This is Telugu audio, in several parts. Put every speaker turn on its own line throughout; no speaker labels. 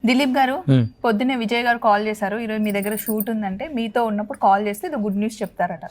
దిలీప్ గారు పొద్దున్నే విజయ్ గారు కాల్ చేశారు, ఈరోజు మీ దగ్గర షూట్ ఉందంటే మీతో ఉన్నప్పుడు కాల్ చేస్తే ఇది గుడ్ న్యూస్ చెప్తారట.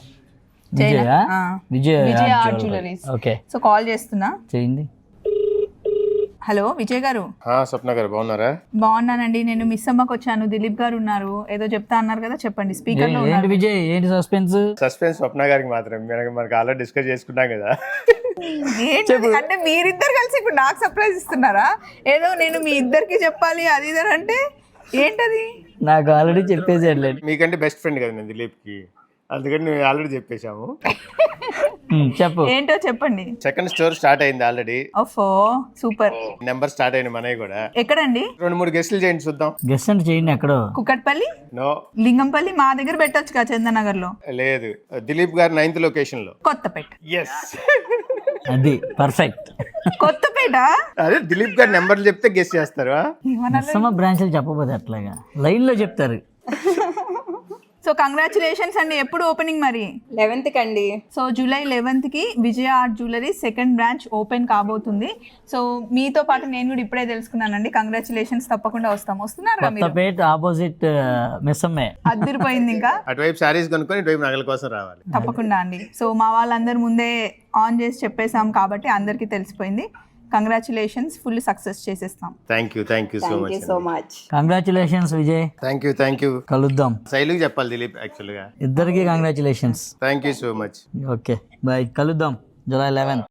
Vijay art jewelleries. So call చేస్తున్నా, చేయండి. హలో విజయ్ గారు.
స్వప్న గారు బాగున్నారా?
బాగున్నానండి. నేను మిస్ అమ్మకి వచ్చాను, దిలీప్ గారు ఉన్నారు, ఏదో చెప్తా అన్నారు కదా, చెప్పండి. స్పీకర్ లో
ఏంటి విజయ్, ఏంటి సస్పెన్స్?
స్వప్న గారికి మాత్రం మనకి ఆల్రెడీ డిస్కస్ చేసుకున్నాం కదా.
అంటే మీరిద్దరు కలిసి ఇప్పుడు నాకు సర్ప్రైజ్ ఇస్తున్నారా? ఏదో నేను మీ ఇద్దరికి చెప్పాలి అది ఇది అంటే ఏంటది?
నాకు ఆల్రెడీ చెప్పేసాడు.
మీకంటే బెస్ట్ ఫ్రెండ్ కదా నేను దిలీప్ కి, అందుకని మేము ఆల్రెడీ చెప్పేశాము.
చెప్పు,
ఏంటో చెప్పండి.
సెకండ్ స్టోర్ స్టార్ట్ అయింది ఆల్రెడీ.
ఓఫో సూపర్.
నెంబర్ స్టార్ట్ అయిన మనవి కూడా.
ఎక్కడండి?
2-3 గెస్ట్లు చేయండి చూద్దాం.
గెస్ట్ అంటే చేయండి. ఎక్కడో
కుక్కట్పల్లి,
నో
లింగంపల్లి, మా దగ్గర పెట్టొచ్చు కదా చందనగర్ లో.
లేదు, దిలీప్ గారు 9th లొకేషన్ లో.
కొత్తపేట.
ఎస్,
అది పర్ఫెక్ట్.
కొత్తపేట.
అదే దిలీప్ గారు నెంబర్లు చెప్తే గెస్ట్ చేస్తారు.
బ్రాంచ్లు చెప్పబోదు, అట్లాగా లైన్ లో చెప్తారు.
సో కంగ్రాచులేషన్స్ అండి. ఎప్పుడు ఓపెనింగ్ మరి?
11th కండి.
సో July 11th కి Vijaya art jewellery second branch open కాబోతుంది. సో మీతో పాటు నేను కూడా ఇప్పుడే తెలుసుకున్నానండి. కంగ్రాచులేషన్స్, తప్పకుండా వస్తాం. వస్తున్నారు
కొత్తపేట ఆపోజిట్ మిస్సమ్మే.
అదిరిపోయింది. ఇంకా
అటువైపు సారీస్ కొనుక్కొని ఇటువైపు నగల కోసం రావాలి.
తప్పకుండా అండి. సో మా వాళ్ళందరూ ముందే ఆన్ చేసి చెప్పేసాం కాబట్టి అందరికీ తెలిసిపోయింది. కంగ్రాచులేషన్స్, ఫుల్ సక్సెస్ చేసేస్తాం.
Thank you
so much.
Congratulations Vijay.
Thank you.
కలుద్దాం.
శైలుకి చెప్పాలి దిలీప్ యాక్చువల్ గా.
ఇద్దరికి congratulations.
Thank you so much.
Okay bye, కలుద్దాం July 11th.